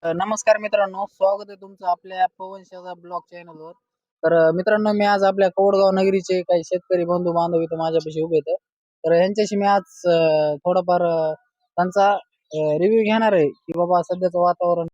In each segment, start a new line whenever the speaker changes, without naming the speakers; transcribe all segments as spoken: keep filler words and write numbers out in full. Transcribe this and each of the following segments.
नमस्कार मित्रांनो, स्वागत आहे तुमचं आपल्या पवनशाचा ब्लॉग चॅनलवर. तर अ, मित्रांनो, मी आज आपल्या कवडगाव नगरीचे काही शेतकरी बंधू बांधव इथं माझ्यापाशी उभे आहेत. तर यांच्याशी मी आज अ, थोडाफार अ, त्यांचा रिव्ह्यू घेणार आहे की बाबा सध्याचं वातावरण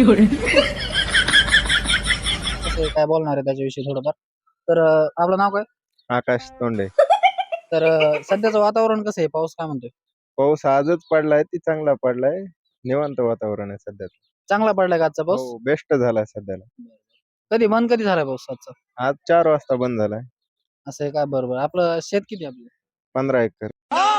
कसं आहे, काय बोलणार आहे त्याच्याविषयी थोडंफार. तर अ, आपलं नाव काय?
आकाश तोंडे.
तर अ, सध्याचं वातावरण कसं आहे? पाऊस काय म्हणतोय?
पाऊस आजच पडलाय, ती चांगला पडलाय. निवांत वातावरण आहे सध्या.
चांगला पडलाय का आजचा पाऊस?
हो, बेस्ट झालाय सध्याला.
कधी बंद कधी झालाय पाऊस आजचा?
आज चार वाजता बंद झालाय.
असं आहे का? बरोबर. आपलं शेत किती आहे आपलं?
पंधरा एकर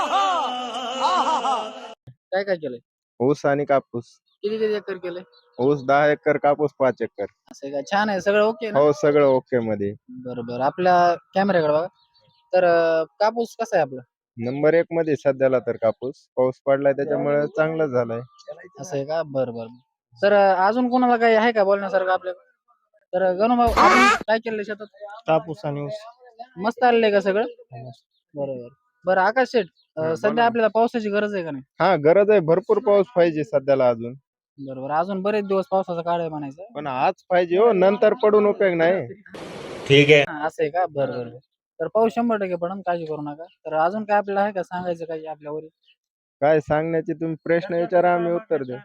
काय काय केलंय?
ऊस आणि कापूस.
किती किती एकर केलंय?
ऊस दहा एकर, कापूस पाच एकर.
असं आहे का? छान आहे, सगळं ओके ना?
हो, सगळं ओके मध्ये.
बरोबर. आपल्या कॅमेऱ्याकडे बघा. तर अ, कापूस कसा आहे आपला?
नंबर एक मध्ये सध्याला तर कापूस. पाऊस पडलाय त्याच्यामुळे चांगलं झालंय.
असं आहे का? बरं बरं. तर अ, अजून कोणाला काही आहे का बोलण्यासारखं आपल्याकडे? तर अ, गणू भाऊ, आपण काय केलंय शेतात?
कापूस आणि ऊस.
मस्त आलेलं का सगळं? बरोबर. बरं आकाश शेठ, अ,
हा, बोला
सध्या
ना.
आपल्याला पावसाची गरज आहे का नाही?
हा, गरज आहे. भरपूर पाऊस पाहिजे सध्याला अजून.
बरोबर. अजून बरेच दिवस पावसाचा काळ आहे म्हणायचं.
पण आज पाहिजे हो, नंतर पडून उपयोग नाही.
हा, असं आहे का? बरं बरं बरं. तर पाऊस शंभर टक्के पडून काळजी करू नका. तर अजून काय आपल्याला आहे का सांगायचं काही आपल्यावर?
काय सांगण्याचे तुम्ही प्रश्न विचारा, आम्ही उत्तर देऊ.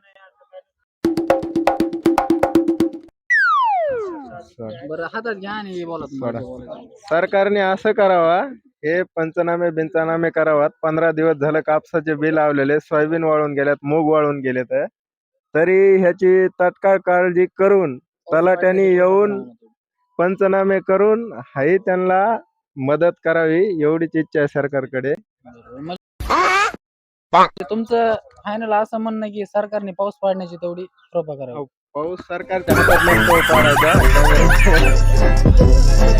बरं हातात घ्या आणि बोला तुम्हाला
सोडा.
जे बोलायचं.
सरकारने असं करावा, हे पंचनामे बिंचनामे करावात. पंधरा दिवस झालं कापसाचे बी लावलेले, सोयाबीन वाळून गेल्यात, मूग वाळून गेलेत. तरी ह्याची तात्काळ काळजी करून तलाट्याने येऊन पंचनामे करून हाही त्यांना मदत करावी, एवढीच इच्छा आहे सरकारकडे.
बरोबर. म्हणजे तुमचं फायनल असं म्हणणं आहे की सरकारने पाऊस पाडण्याची तेवढी कृपा करावी.
पाऊस सरकारच्या हातात नसतो पाडायचा.